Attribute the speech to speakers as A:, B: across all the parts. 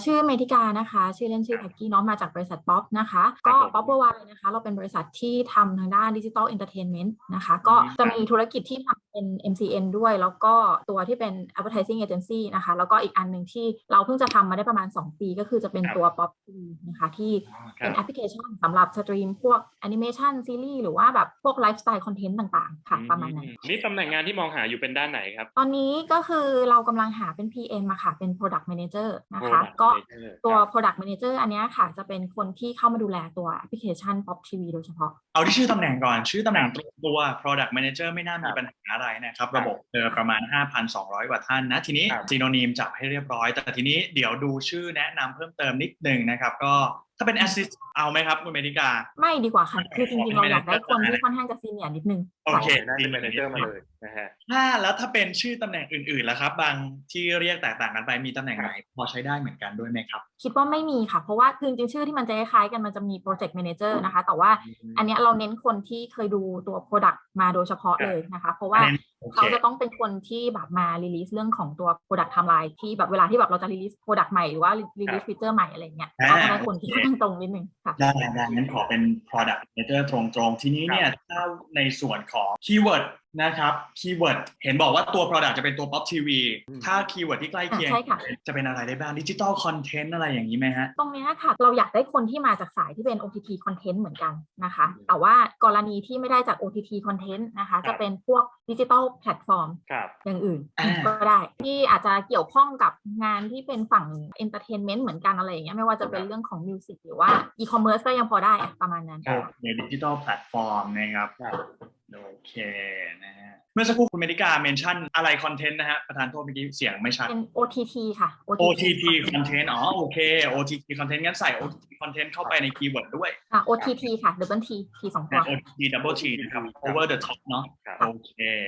A: ชื่อเมธิกานะคะชื่อเล่นชื่อแพ็กกี้เนาะมาจากบริษัทป๊อปนะคะก็ป๊อปเวอร์ไวนะคะเราเป็นบริษัทที่ทำทางด้านดิจิ t a ลเอนเตอร์เทนเมนต์นะคะก็จะมีธุรกิจที่ทำเป็น MCN ด้วยแล้วก็ตัวที่เป็น Advertising Agency นะคะแล้วก็อีกอันหนึ่งที่เราเพิ่งจะทำมาได้ประมาณ2ปีก็คือจะเป็นตัว Pop TV นะคะที่เป็นแอปพลิเคชันสำหรับสตรีมพวกแอนิเมชันซีรีส์หรือว่าแบบพวกไลฟ์สไตล์คอนเทนต์ต่างๆค่ะประมาณนั้น
B: นี่ตำแหน่งงานที่มองหาอยู่เป็นด้านไหนครับ
A: ตอนนี้ก็คือเรากำลังหาเป็น PM อะค่ะเป็น Product Manager นะคะก็ตัว Product Manager อันนี้ค่ะจะเป็นคนที่เข้ามาดูแลตัวแอปพลิเคชัน Pop TV โดยเฉพาะ
C: เอาที่ชื่อตำแหน่งก่อนชื่อตำแหน่งตรงตัว Product Manager ไม่น่ามีปัญหาอะไรนะครับระบบประมาณ 5,200 กว่าท่านนะทีนี้ซีโนนิมจับให้เรียบร้อยแต่ทีนี้เดี๋ยวดูชื่อแนะนำเพิ่มเติมนิดนึงนะครับก็ถ้าเป็น Assist เอาไหมครับคุณเมธิกา
A: ไม่ดีกว่าค่ะคือจริงๆเราอยากได้คนที่ค่อนข้างจะซีเนียร์นิดนึง
C: โอเค
B: ได้เป็น Manager มาเลยนะฮะ
C: แล้วถ้าเป็นชื่อตำแหน่งอื่นๆล่ะครับบางที่เรียกแตกต่างกันไปมีตำแหน่งไหนพอใช้ได้เหมือนกันด้วยไหมครับ
A: คิดว่าไม่มีค่ะเพราะว่าคือจริงๆชื่อที่มันจะคล้ายๆกันมันจะมี Project Manager นะคะแต่ว่าอันนี้เราเน้นคนที่เคยดูตัว Product มาโดยเฉพาะเลยนะคะเพราะว่าเขาจะต้องเป็นคนที่แบบมา release เรื่องของตัว Product Timeline ที่แบบเวลาที่แบบเราจะ release Product ใหม่หรือว่า release feature ใหม่อะไรเงี้ยเราจะได้คนที่ค่อนข้างตรงนิดนึงค่ะ
C: ได้งั้นขอเป็น Product Manager ตรงๆทีนี้เนี่ยถ้าในส่วนของ Keyword นะครับคีย์เวิร์ดเห็นบอกว่าตัว Product จะเป็นตัว Pop TV ถ้าคีย์เวิร์ดที่ใกล้เคียงจะเป็นอะไรได้บ้างดิจิตอลคอนเทนต์อะไรอย่างนี้ไหมฮะ
A: ตรงนี้ค่ะเราอยากได้คนที่มาจากสายที่เป็น OTT Content เหมือนกันนะคะแต่ว่ากรณีที่ไม่ได้จาก OTT Content นะคะจะเป็นพวกดิจิตอลแพลตฟอร์มอย่างอื่นก็ได้ที่อาจจะเกี่ยวข้องกับงานที่เป็นฝั่ง Entertainment เหมือนกันอะไรอย่างเงี้ยไม่ว่าจะเป็นเรื่องของ Music หรือว่า E-commerce ก็ยังพอได้ประมาณนั้น
C: ในดิจิตอลแพลตฟอร์มนะครับโอเคนะฮะเมื่อสักครู่คุณเมดิกาเมนชั่นอะไรคอนเทนต์นะฮะประธานโทษเมื่อกี้เสียงไม่ชัด
A: เป็น OTT ค่ะ
C: OTT คอนเทนต์โอเค OTT คอนเทนต์งั้นใส่ OTT คอนเทนต์เข้าไปในคีย์เวิร์ดด้วย
A: OTT ค่ะ Double T T 2ตัว
C: OTT Double T นะครับ Over the top เนาะโอเค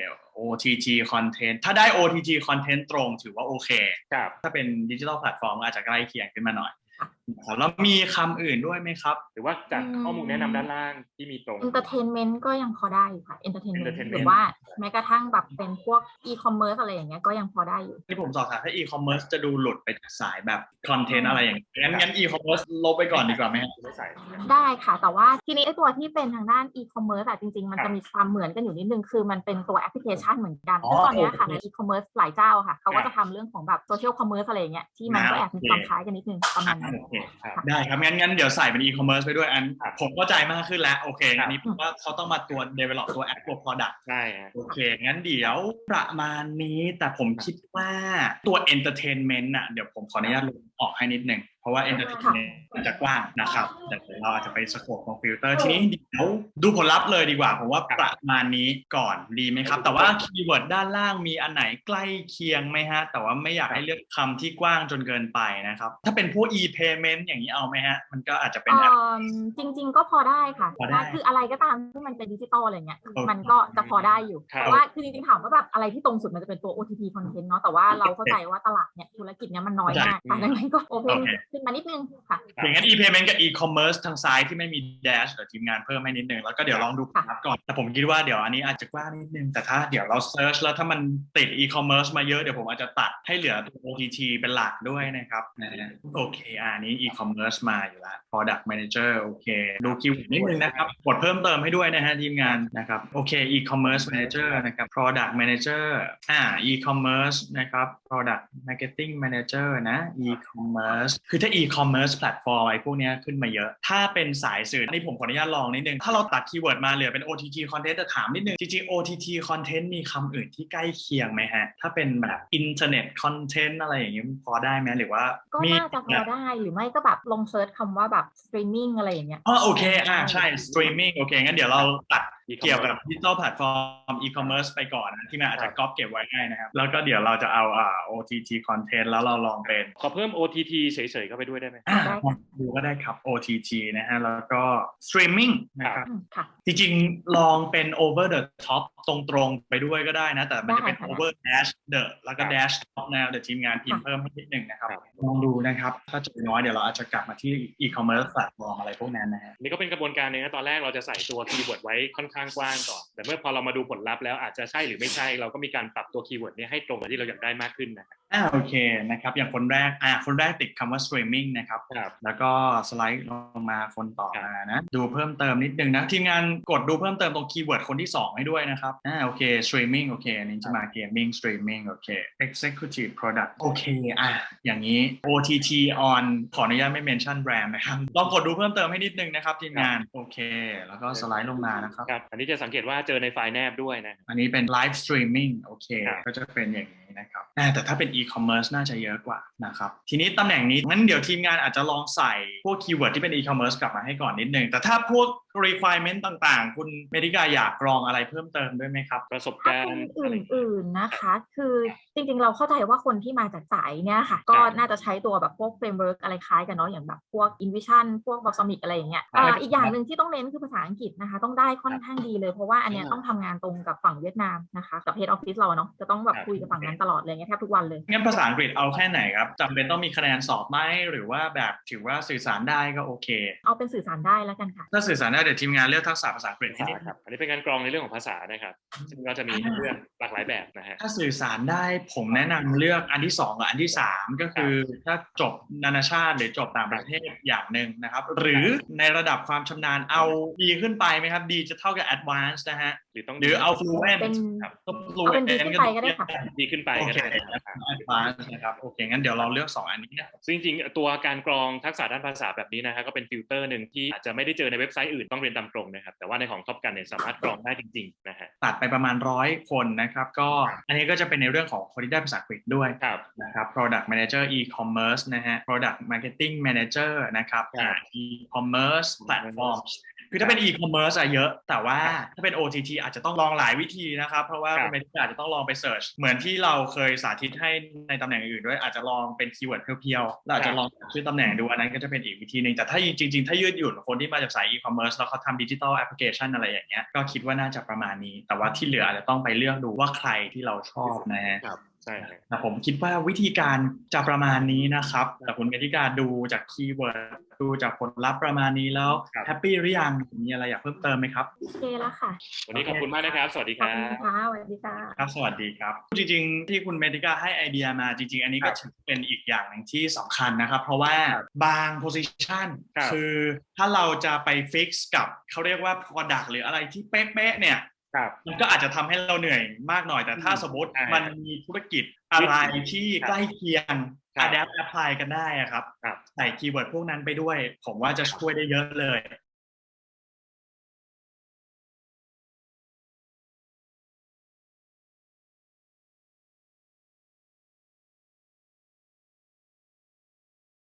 C: OTT คอนเทนต์ถ้าได้ OTT คอนเทนต์ตรงถือว่าโอเคถ้าเป็นดิจิทัลแพลตฟอร์มอาจจะใกล้เคียงขึ้นมาหน่อยแล้วมีคำอื่นด้วยไหมครับ
B: หรือว่าจากข้อมูลแนะนำด้านล่างที่มีตรง
A: Entertainment ก็ยังพอได้อยู่ค่ะ Entertainment หรือว่าแม้กระทั่งแบบเป็นพวก E-commerce อะไรอย่างเงี้ยก็ยังพอได้อยู่
C: ที่ผมสอบถามถ้า E-commerce จะดูหลุดไปจากสายแบบคอนเทนต์อะไรอย่างเงี้ยงั้น E-commerce ลบไปก่อนดีกว่าไหม
A: ได้ค่ะแต่ว่าทีนี้ไอ้ตัวที่เป็นทางด้าน E-commerce จริงๆมันจะมีความเหมือนกันอยู่นิดนึงคือมันเป็นตัวแอปพลิเคชันเหมือนกันซึ่งตอนนี้ค่ะใน E-commerce หลายเจ้าค่ะเขาก็จะทำเรื่องของแบบ Social Commerce อะไรอย่างเงี้ยที่มันก็แอบมีความคล้ายกันนิดนึงประมาณนั้น
C: ได้ครับงั้นเดี๋ยวใส่เป็น e-commerce ไปด้วยอันผมเข้าใจมากขึ้นแล้วโอเคอันนี้ผมว่าเขาต้องมาตัว develop ตัว app ตัว product
B: ใช่
C: โอเคงั้นเดี๋ยวประมาณนี้แต่ผมคิดว่าตัว entertainment น่ะเดี๋ยวผมขออนุญาตลงออกให้นิดนึงเพราะว่า entertainment มันจะกว้างนะครับแต่เราอาจจะไปสโคปของฟิลเตอร์ทีนี้เดี๋ยวดูผลลัพธ์เลยดีกว่าผมว่าประมาณนี้ก่อนดีไหมครับแต่ว่าคีย์เวิร์ดด้านล่างมีอันไหนใกล้เคียงไหมฮะแต่ว่าไม่อยากให้เลือกคำที่กว้างจนเกินไปนะครับถ้าเป็นพวก e-payment อย่างนี้เอาไหมฮะมันก็อาจจะเป็น
A: จริงๆก็พอได้ค่ะคืออะไรก็ตามที่มันเป็นดิจิตอลอะไรเงี้ยมันก็จะพอได้อยู่แต่ว่าคือจริงๆถามว่าแบบอะไรที่ตรงสุดมันจะเป็นตัว OTT content เนาะแต่ว่าเราเข้าใจว่าตลาดเนี่ยธุรกิจเนี้ยมันน้อยมากดังนั้นก็ open ขึ้นมานิดนึงค่ะ
C: อย่างนั้น e-payment กับ e-commerce ทางซ้ายที่ไม่มี dash เดี๋ยวทีมงานเพิ่มให้นิดนึงแล้วก็เดี๋ยวลองดูครับก่อนแต่ผมคิดว่าเดี๋ยวอันนี้อาจจะกว้างนิดนึงแต่ถ้าเดี๋ยวเรา search แล้วถ้ามันติด e-commerce มาเยอะเดี๋ยวผมอาจจะตัดให้เหลือตัว OTT เป็นหลักด้วยนะครับโอเคอันนี้ e-commerce มาอยู่แล้ว product manager โอเคดูคิวนิดนึงนะครับกดเพิ่มเติมให้ด้วยนะฮะทีมงานนะครับโอเค e-commerce manager นะครับ product manager e-commerce นะครับ product marketing manager นะ e-commerce คือถ้า e-commerce platform ไอ้พวกนี้ขึ้นมาเยอะถ้าเป็นสายสื่อนี่ผมขออนุญาตลองนิดนึงถ้าเราตัดคีย์เวิร์ดมาเหลือเป็น OTT content จะถามนิดนึงจริงๆ OTT content มีคำอื่นที่ใกล้เคียงไหมฮะถ้าเป็นแบบ internet content อะไรอย่างนี้พอได้ไหมหรือว่า
A: ก็น่าจะพอได้หรือไม่ก็แบบลงเซิร์ชคำว่าแบบ streaming อะไรอย่างเงี้ย
C: โอเคใช่ streaming โอเคงั้นเดี๋ยวเราตัดเกี่ยวกับดิจิทัลแพลตฟอร์ม e-commerce ไปก่อนนะที่มันอาจจะก๊อปเก็บไว้ให้นะครับแล้วก็เดี๋ยวเราจะเอาOTT content แล้วเราลองเป็น
B: ขอเพิ่ม OTT เฉยๆเข้าไปด้วยได้ไหม
C: ดูก็ได้ครับ OTT นะฮะแล้วก็ streaming นะครับจริงๆลองเป็น over the top ตรงๆไปด้วยก็ได้นะแต่มันจะเป็น over dash the แล้วก็ dash top นะเดี๋ยวทีมงานพิมพ์เพิ่มให้นิดนึงนะครับลองดูนะครับถ้าจะน้อยเดี๋ยวเราอาจจะกลับมาที่ e-commerce platform อะไรพวกนั้นนะฮะ
B: นี่ก็เป็นกระบวนการนึงนะตอนแรกเราจะใส่ตัวคีย์เวิร์ดไว้ค่อนข้างกว้างก่อนแต่เมื่อพอเรามาดูผลลัพธ์แล้วอาจจะใช่หรือไม่ใช่เราก็มีการปรับตัวคีย์เวิร์ดนี้ให้ตรงกับที่เราอยากได้มากขึ้นนะครับ
C: โอเคนะครับอย่างคนแรกติดคำว่า streaming นะครับแล้วก็สไลด์ลงมาคนต่อมานะดูเพิ่มเติมนิดนึงนะทีมงานกดดูเพิ่มเติมตรงคีย์เวิร์ดคนที่2ให้ด้วยนะครับโอเค streaming โอเคอันนี้จะมา gaming streaming โอเค executive product โอเคอย่างนี้ OTT on ขออนุญาตไม่ mention brand นะครับลองกดดูเพิ่มเติมให้นิดนึงนะครับทีมงานโอเคแล้วก็สไลด์ลงมานะครับ
B: อันนี้จะสังเกตว่าเจอในไฟล์แนบด้วยนะ
C: อันนี้เป็น live streaming โอเคก็จะเป็นอย่างนี้นะครับแต่ถ้าเป็น e-commerce น่าจะเยอะกว่านะครับทีนี้ตำแหน่งนี้งั้นเดี๋ยวทีมงานอาจจะลองใส่พวกคีย์เวิร์ดที่เป็น e-commerce กลับมาให้ก่อนนิดนึงแต่ถ้าพวก requirement ต่างๆคุณเมธิกาอยากกรองอะไรเพิ่มเติมด้วยไหมครับ
B: ประสบการณ์
A: อื่นๆนะคะคือจริงๆเราเข้าใจว่าคนที่มาจากสายเนี่ยค่ะก็น่าจะใช้ตัวแบบพวก framework อะไรคล้ายกันเนาะอย่างแบบพวก InVision พวก Balsamiq อะไรอย่างเงี้ยอีกอย่างหนึ่งที่ต้องเน้นคือภาษาอังกฤษนะคะต้องได้ค่อนข้างดีเลยเพราะว่าอันเนี้ยต้องทำงานตรงกับฝั่งเวียดนามนะคะกับ Head Office เราเนาะจะต้องแบบคุยกับฝั่งนั้นตลอดเลยแทบทุกวันเลย
C: งั้นภาษาอังกฤษเอาแค่ไหนครับจำเป็นต้องมีคะแนนสอบไหมหรือว่าแบบถือว่าสื่อสารได้ก็โอเค
A: เอาเป็นสื่อสารได้แล้วกันค่ะ
C: ถ้าสื่อสารได้เดี๋ยวทีมงานเลือกทักษะภาษาอังกฤษให้นิด
B: ครับอันนี้เป็นการกรองในเรื่องของภาษานะครับซึ่งก็จะมีเรื่องหลากหลายแบบนะฮะ
C: ถ้าสื่อสารได้ผมแนะนำเลือกอันที่2กับอันที่3ก็คือถ้าจบนานาชาติหรือจบต่างประเทศอย่างหนึ่งนะครับหรือในระดับความชำนาญเอาดีขึ้นไปไหมครับดีจะเท่ากับ advanced นะฮะหรือเอา fluent
A: เอาเป็นดีขึ้นไปก็ได้ค่ะ
B: ดีขึ้นไปก็ได้
C: advanced นะครับโอเคงั้นเดี๋ยวเราเลือก2อันนี้นะ
B: ซึ่งจริงๆตัวการกรองทักษะด้านภาษาแบบนี้นะฮะก็เป็นฟิลเตอร์หนึ่งที่อาจจะไม่ได้เจอในเว็บไซต์อื่นต้องเรียนตามตรงนะครับแต่ว่าในของท็อปกันเนี่ยสามารถกรองได้จริงๆนะฮะ
C: ตัดไปประมาณ100คนนะครับก็อันนี้ก็จะเป็นในเรื่องของคนที่ได้ภาษาอังกฤษด้วยนะครับ product manager e-commerce นะฮะ product marketing manager นะครับ e-commerce platforms คือถ้าเป็น e-commerce เยอะแต่ว่าถ้าเป็น OTT อาจจะต้องลองหลายวิธีนะครับเพราะว่าเป็นอาจจะต้องลองไปเสิร์ชเหมือนที่เราเคยสาธิตให้ในตำแหน่งอื่นด้วยอาจจะลองเป็นคีย์เวิร์ดเพียวๆเราอาจจะลองชื่อตำแหน่งดูอันนั้นก็จะเป็นอีกวิธีนึงแต่ถ้าจริงๆถ้ายืดหยุ่นคนที่มาจากสาย e-commerce แล้วเขาทำดิจิทัลแอปพลิเคชันอะไรอย่างเงี้ยก็คิดว่าน่าจะประมาณนี้แต่ว่าที่เหลืออาจจะต้องไปเลือกดูว่าใครที่เราชอบนะฮะ
B: ใช่
C: แต่ผมคิดว่าวิธีการจะประมาณนี้นะครับแต่คุณเมธิกาดูจากคีย์เวิร์ดดูจากผลลัพธ์ประมาณนี้แล้วแฮปปี้หรือยังมีอะไรอยากเพิ่มเติมไหมครับ
A: โอเคแล้วค่ะ
B: วันนี้ขอบคุณมากนะครับสวัสดีครับ
A: ขอบคุณค่ะสวัสดีค่ะ
C: ครับสวัสดีครับจริงๆที่คุณเมธิกาให้ไอเดียมาจริงๆอันนี้ก็ถือเป็นอีกอย่างนึงที่สำคัญนะครับเพราะว่าบาง position คือถ้าเราจะไป fix กับเขาเรียกว่า product หรืออะไรที่เป๊ะๆเนี่ยมันก็อาจจะทำให้เราเหนื่อยมากหน่อยแต่ถ้าสมมติมันมีธุรกิจอะไรที่ใกล้เคียง adapt apply กันได้ครับใส่คีย์เวิร์ดพวกนั้นไปด้วยผมว่าจะช่วยได้เยอะเลย